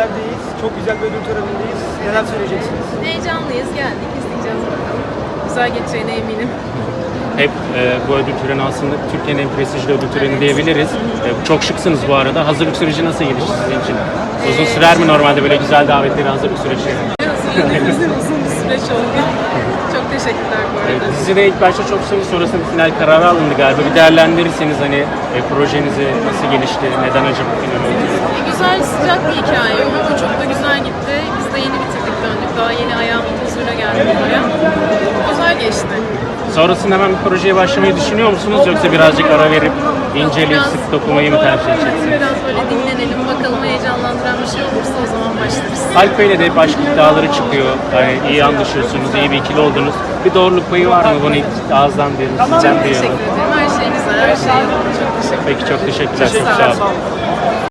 Festival'deyiz. Çok güzel bir ödül törenindeyiz. Neler söyleyeceksiniz? Heyecanlıyız, geldik, izleyeceğiz bakalım. Güzel geçeceğine eminim. Hep bu ödül töreni aslında Türkiye'nin en prestijli ödül töreni diyebiliriz. Çok şıksınız bu arada. Hazırlık süreci nasıl gelişti sizin için? Uzun sürer mi normalde böyle güzel davetleri hazırlık süreci? Hazırladığımız uzun bir süreç oldu. Çok teşekkürler bu arada. Dizide ilk başta çok sevdi, sonrasında final kararı alındı galiba. Bir değerlendirirseniz hani projenizi nasıl gelişti, neden acaba final oldu? Güzel, sıcak bir hikaye oldu. Çok da güzel gitti. Biz de yeni bitirdik, döndük. Daha yeni ayağımın tozuyla geldik buraya. Güzel geçti. Sonrasında hemen bir projeye başlamayı düşünüyor musunuz? Yoksa birazcık ara verip inceleyip sık dokumayı mı tercih edeceksiniz? Biraz böyle dinlenelim, bakalım heyecanlandıran bir şey olursa o zaman başlarız. Alp Bey'le de hep aşk iddiaları çıkıyor. Yani iyi anlaşıyorsunuz, iyi bir ikili oldunuz. Bir doğruluk payı var mı? Bunu ilk ağızdan diyelim, sizden Teşekkür diyelim. ederim. Her şey güzel, her şey yolunda. Çok teşekkür ederim. Peki çok teşekkürler. Çok sağ olun. Sağ olun.